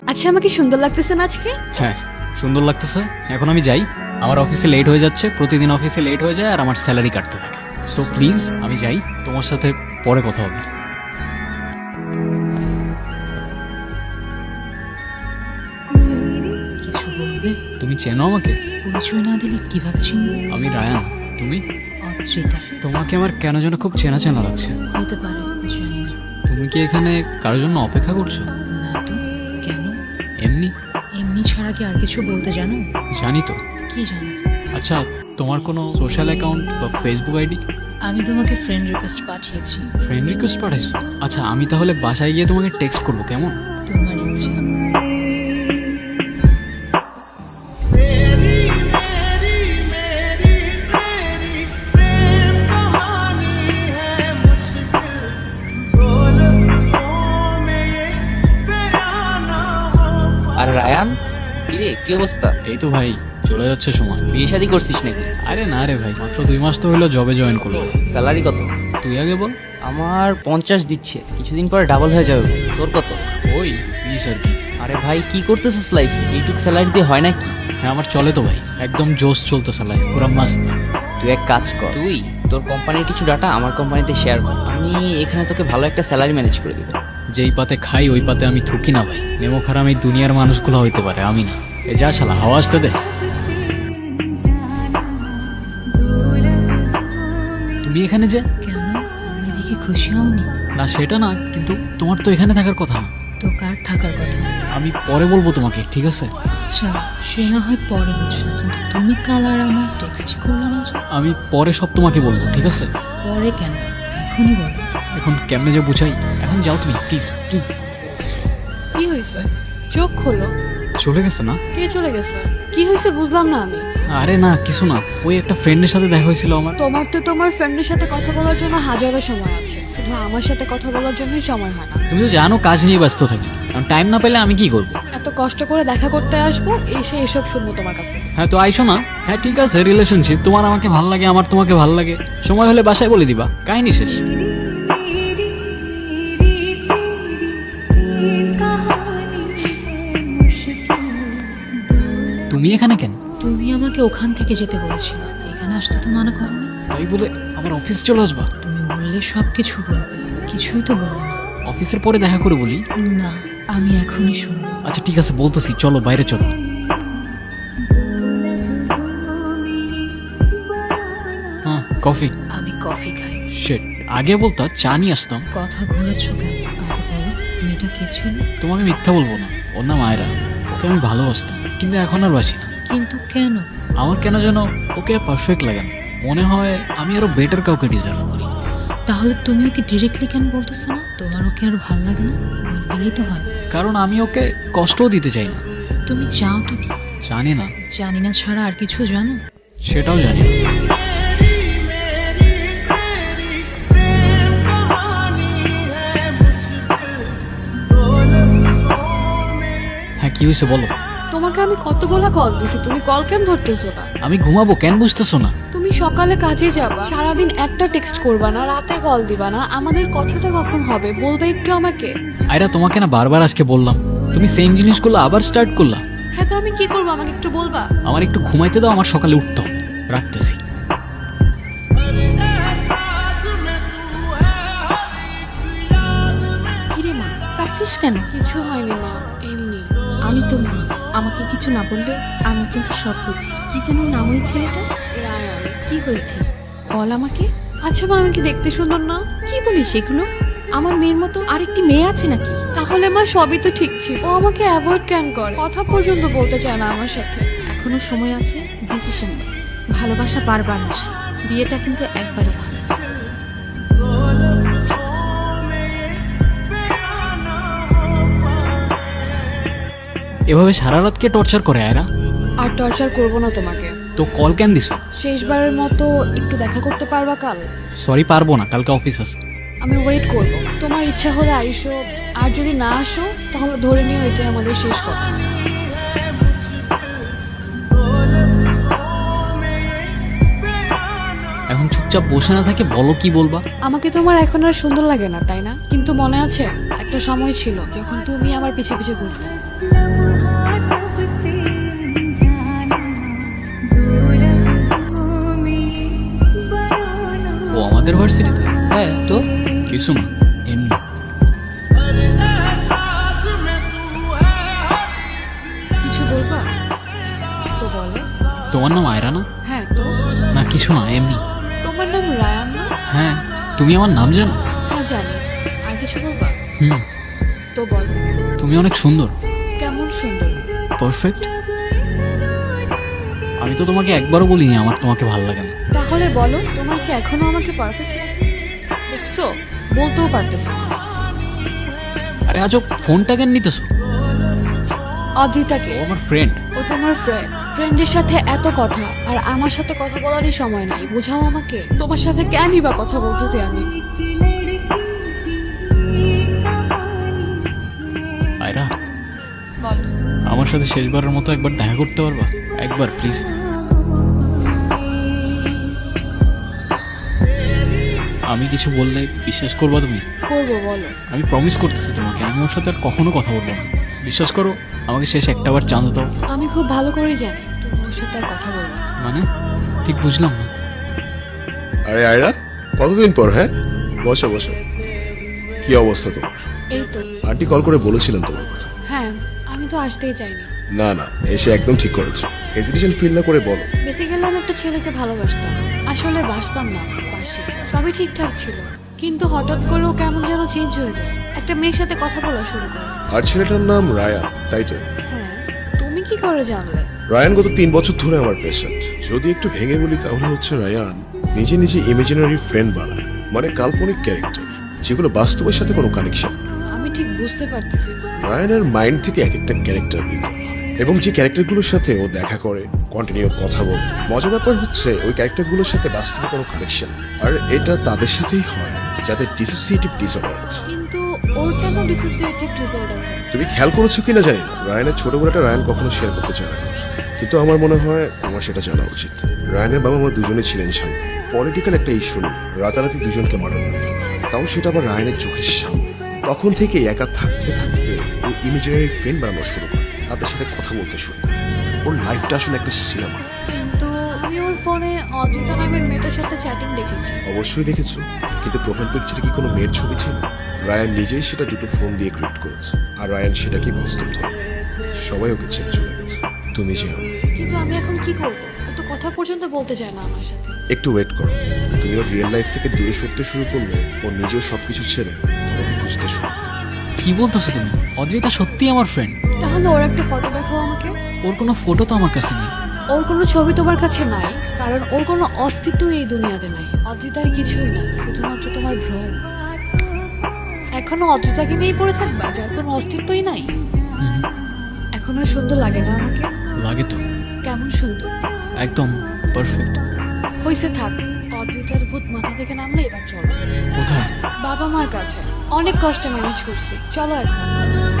আচ্ছা আমাকে সুন্দর লাগতেছে না আজকে? হ্যাঁ সুন্দর লাগতেছে। এখন আমি যাই, আমার অফিসে লেট হয়ে যাচ্ছে, প্রতিদিন অফিসে লেট হয়ে যায় আর আমার স্যালারি কাটতে থাকে। সো প্লিজ আমি যাই, তোমার সাথে পরে কথা হবে। কিছু বলবে? তুমি চেনো আমাকে? পরিচয় না দিলে কিভাবে চিনবো? আমি রায়ান, তুমি? অদ্রিতা। তোমাকে আমার কেন যেন খুব চেনা চেনা লাগছে। হতে পারে, জানি না। তুমি কি এখানে কারোর জন্য অপেক্ষা করছো? না তো, কেন? এমনি। এমনি ছাড়া কি আর কিছু বলতে জানো? জানি তো। কি জানো? আচ্ছা তোমার কোনো সোশ্যাল অ্যাকাউন্ট বা ফেসবুক আইডি? আমি তোমাকে ফ্রেন্ড রিকোয়েস্ট পাঠিয়েছি। ফ্রেন্ড রিকোয়েস্ট পাঠাইছো? আচ্ছা আমি তাহলে বাসায় গিয়ে তোমাকে টেক্সট করবো, কেমন? তোমার ইচ্ছে। আর রায়ান, কিরে কি অবস্থা? এই তো ভাই চলে যাচ্ছে সময়। বিয়ে শাদী করছিস নাকি? আরে না রে ভাই, মাত্র 2 মাস তো হলো জবে জয়েন করলো। স্যালারি কত? তুই আগে বল। আমার 50 দিচ্ছে, কিছুদিন পরে ডাবল হয়ে যাবে। তোর কত? ওই 20 আর কি। আরে ভাই কি করতেছিস লাইফে? এইটুক স্যালারি দিয়ে হয় নাকি? হ্যাঁ আমার চলে তো ভাই, একদম জোশ চলতেছে লাইফ, পুরো মাস্ত। তুই এক কাজ কর, তুই তোর কোম্পানির কিছু ডাটা আমার কোম্পানিতে শেয়ার কর, আমি এখানে তোকে ভালো একটা স্যালারি ম্যানেজ করে দেবো। যেই পাতে খাই ওই পাতে আমি থুকি না ভাই। নেমো খারাপ এই দুনিয়ার মানুষগুলো হইতে পারে, আমি না। এ যা শালা, হাওয়া আসতে দে। তুমি এখানে যে? কেন? আমি দেখে খুশি হওনি? না সেটা না, কিন্তু তোমার তো এখানে থাকার কথা না। তো কার থাকার কথা? আমি পরে বলবো তোমাকে, ঠিক আছে? আচ্ছা, সে না হয় পরে বুঝলো, কিন্তু তুমি কাল আর আমার টেক্সট করলো না যে? আমি পরে সব তোমাকে বলবো, ঠিক আছে? পরে কেন, এখনই বলো। এখন কেমনে যে বুঝাই, এখন যাও তুমি প্লিজ প্লিজ। কি হয়েছে? চোখ খোলো। চলে গেছে না? কে চলে গেছে? কি হয়েছে বুঝলাম না আমি। আরে না কিছু না, ওই একটা ফ্রেন্ডের সাথে দেখা হয়েছিল আমার। তোমার তো তোমার ফ্রেন্ডের সাথে কথা বলার জন্য হাজারো সময় আছে, শুধু আমার সাথে কথা বলার জন্যই সময় হয় না। তুমি তো জানো কাজ নিয়ে ব্যস্ত থাকি, কারণ টাইম না পেলে আমি কি করবো? এত কষ্ট করে দেখা করতে আসবো, এসে এসব শুনবো তোমার কাছ থেকে। হ্যাঁ তো আইসো না। হ্যাঁ ঠিক আছে, রিলেশনশিপ, তোমার আমাকে ভাল লাগে, আমার তোমাকে ভাল লাগে, সময় হলে বাসায় বলে দিবা, কাহিনী শেষ। তুমি এখানে কেন? তুমি আমাকে ওখান থেকে যেতে বলেছিলে, এখানে আসতে তো মানা করোনি। তাই বলে আমার অফিস চলে আসবা? তুমি বললে সব কিছু বলবে, কিছুই তো বললে না। অফিসের পরে দেখা করে বলি। না, আমি এখনই শুনবো। আচ্ছা ঠিক আছে বলতেছি, চলো বাইরে চলো। হ্যাঁ কফি। আমি কফি খাই। শিট, আগে বলতা চা নিয়ে আসতাম। কথা ঘোরাচ্ছ কেন? আগে বলো, মেয়েটা কে ছিল? তোমাকে মিথ্যা বলবো না, ওর নাম আয়রা। ওকে আমি ভালোবাসতাম, কিন্তু এখন আর বাসি না। কিন্তু কেন? আমার কেন যেন ওকে পারফেক্ট লাগে না, মনে হয় আমি আরো বেটার কাউকে ডিজার্ভ করি। তাহলে তুমি ওকে ডিরেক্টলি কেন বলতেছো না? তোমার ওকে আর ভালো লাগে না? বললেই তো হয়। কারণ আমি ওকে কষ্টও দিতে চাই না। তুমি চাওটা কি? জানি না। জানি না ছাড়া আর কিছু জানো? সেটাও জানি না। হ্যাঁ কি হয়েছে বলো। তোমাকে আমি কতগুলা কল দিছি, তুমি কল কেন ধরতেছো না? আমি ঘুমাবো, কেন বুঝতেছো না? তুমি সকালে কাজে যাবা, সারাদিন একটা টেক্সট করবা না, রাতে কল দিবা না, আমাদের কথাটা কখন হবে বলবে একটু আমাকে। আয়রা তোমাকে না বারবার আজকে বললাম, তুমি সেম জিনিসগুলো আবার স্টার্ট করলা। হ্যাঁ তো আমি কি করবো, আমাকে একটু বলবা? আমার একটু ঘুমাইতে দাও, আমার সকালে উঠতে হবে। রাখতেছি। কিরে মা, কাঁদছিস কেন? কিছু হয়নি মা, এমনি। আমি তো মা, আমাকে কিছু না বললে আমি কিন্তু সব বুঝি। কি যেন নাম ওই ছেলেটা? রায়ান। কি হয়েছে বল আমাকে। আচ্ছা মা, আমি কি দেখতে সুন্দর না? কি বলিস এগুলো? আমার মেয়ের মতো আরেকটি মেয়ে আছে নাকি? তাহলে মা সবই তো ঠিক ছিল, ও আমাকে অ্যাভয়েড কেন করে, কথা পর্যন্ত বলতে চায় না আমার সাথে। এখনো সময় আছে, ডিসিশন নে। ভালোবাসা বারবার আসে, বিয়েটা কিন্তু একবারই হয়। এভাবে সারা রাত কে টর্চার করে আয়রা? আর টর্চার করবো না তোমাকে। তো কল কেন দিছো? শেষবারের মতো একটু দেখা করতে পারবা কাল? সরি পারবো না, কালকে অফিস আছে। আমি ওয়েট করব, তোমার ইচ্ছা হলে আইসো, আর যদি না আসো তাহলে ধরে নিও এটাই আমাদের শেষ কথা। এখন চুপচাপ বসে না থাকে, বলো কি বলবা। আমাকে তোমার এখন আর সুন্দর লাগে না তাই না? কিন্তু মনে আছে একটা সময় ছিল যখন তুমি আমার পিছে পিছে ঘুরতে। ও আমাদের ভার্সিটিতে? হ্যাঁ তো কিছু না, এমনি। কিছু বলবা? তো বলো। তোমার নাম আয়রা না? হ্যাঁ তো। না কিছু না, এমনি। তোমার নাম রায়ান না? হ্যাঁ, তুমি আমার নাম জানো? হ্যাঁ জানি। আর কিছু বলবা? হুম, তো বলো। তুমি অনেক সুন্দর। কেমন সুন্দর? পারফেক্ট। আমি তো তোমাকে একবারও বলিনি আমার তোমাকে ভালো লাগে না। তাহলে বলো, তোমার কি এখনো আমাকে পারফেক্ট লাগে? দেখছো, বলতেও পারতেছো না। আরে আজব, ফোনটা কেন নিতেছো? অজিতাকে। ও আমার ফ্রেন্ড। ও তোমার ফ্রেন্ড। ফ্রেন্ডের সাথে এত কথা, আর আমার সাথে কথা বলারই সময় নাই। বোঝাও আমাকে, তোমার সাথে কেনই বা কথা বলতেছি আমি? আয়রা, বলো। আমার সাথে শেষবারের মতো একবার দেখা করতে পারবা? একবার প্লিজ। আমি কিছু বললে বিশ্বাস করবা তুমি? করবো, বলো। আমি প্রমিস করতেছি তোমাকে, আমি ওর সাথে আর কখনো কথা বলবো না। বিশ্বাস করো, আমাকে শেষ একটাবার চান্স দাও। আমি খুব ভালো করেই জানি তুমি ওর সাথে আর কথা বলবো না। মানে ঠিক বুঝলাম না। আরে আয়রা, কতদিন পর? হ্যাঁ, বসো বসো। কি অবস্থা তোমার? এই তো। আন্টি কল করে বলেছিলেন তোমার কথা। হ্যাঁ, আমি তো আসতেই চাইনি। না না, এসে একদম ঠিক করেছো। হেজিটেশন ফিল না করে বলো। বেসিক্যালি আমি একটা ছেলেকে ভালোবাসতাম। আসলে বাসতাম না, বাসি। সবই ঠিকঠাক ছিল, কিন্তু হঠাৎ করে ও কেমন যেন চেঞ্জ হয়ে যায়। একটা মেয়ের সাথে কথা বলা শুরু করে। আর ছেলেটার নাম রায়ান, তাই তো? হ্যাঁ। তুমি কি করে জানলে? রায়ান গত 3 বছর ধরে আমার পেশেন্ট। যদি একটু ভেঙে বলি তাহলে হচ্ছে রায়ান নিজে নিজে ইমাজিনারি ফ্রেন্ড বানায়, মানে কাল্পনিক ক্যারেক্টার, যেগুলো বাস্তবের সাথে কোনো কানেকশন। আমি ঠিক বুঝতে পারতেছি না। রায়ানের মাইন্ড থেকে এক একটা ক্যারেক্টার ভিন্ন, এবং যে ক্যারেক্টারগুলোর সাথে ও দেখা করে, কন্টিনিউ কথা বলে, মজার ব্যাপার হচ্ছে ওই ক্যারেক্টারগুলোর সাথে বাস্তবে কোনো কানেকশন। আর এটা তাদের সাথেই হয় যাদের ডিসোসিয়েটিভ ডিসঅর্ডার আছে। কিন্তু ওর কেন ডিসোসিয়েটিভ ডিসঅর্ডার? তুমি খেয়াল করেছো কিনা জানি না, রায়ানের ছোট বেলাটা রায়ান কখনো শেয়ার করতে চায় না কারোর সাথে। কিন্তু আমার মনে হয় আমার সেটা জানা উচিত। রায়ানের বাবা মা দুজনে ছিলেন সামনে পলিটিক্যাল একটা ইস্যু নিয়ে রাতারাতি দুজনকে মার্ডার করে ফেলা হয়। তাও সেটা আবার রায়ানের চোখের সামনে। তখন থেকে একা থাকতে থাকতে ও ইমেজিনারি ফ্রেন্ড বানানো শুরু করে, তাদের সাথে কথা বলতে শুরু করে। ওর লাইফটা আসলে একটা সিনেমা। কিন্তু আমি ওর ফোনে অজিতা নামের মেয়েটার সাথে চ্যাটিং দেখেছি। অবশ্যই দেখেছো, কিন্তু প্রোফাইল পিকচারে কি কোনো মেয়ের ছবি ছিল? রায়ান নিজেই সেটা দুটো ফোন দিয়ে ক্রিয়েট করেছে, আর রায়ান সেটাকে বাস্তব ধরে নেয়। সবাই ওকে ছেড়ে চলে গেছে, তুমি যেও। কিন্তু আমি এখন কি করব? ও তো কথা পর্যন্ত বলতে চায় না আমার সাথে। একটু ওয়েট করো, তুমি ওর রিয়েল লাইফ থেকে দূরে সরতে শুরু করলে ও নিজেও সবকিছু ছেড়ে তোমাকে বুঝতে শুরু করবে। কি বলতেছো তুমি? অদ্রিতা সত্যি আমার ফ্রেন্ড। তাহলে ওর একটা ফটো দেখাও আমাকে। ওর কোনো ফটো তো আমার কাছে নেই। ওর কোনো ছবি তোমার কাছে নাই, কারণ ওর কোনো অস্তিত্ব এই দুনিয়াতে নাই। অজিতার কিছুই না, শুধুমাত্র তোমার ভ্রম। এখনো অজিতাকে নিয়েই পড়ে থাকবা, যার কোনো অস্তিত্বই নাই। হুম, এখন আর সুন্দর লাগে না আমাকে? লাগে তো। কেমন সুন্দর? একদম পারফেক্ট। হইছে, থাক। অদ্রিতার ভূত মাথা থেকে নামলে এবার চলো। কোথায়? বাবা মার কাছে। অনেক কষ্টে ম্যানেজ করছি, চলো এখন।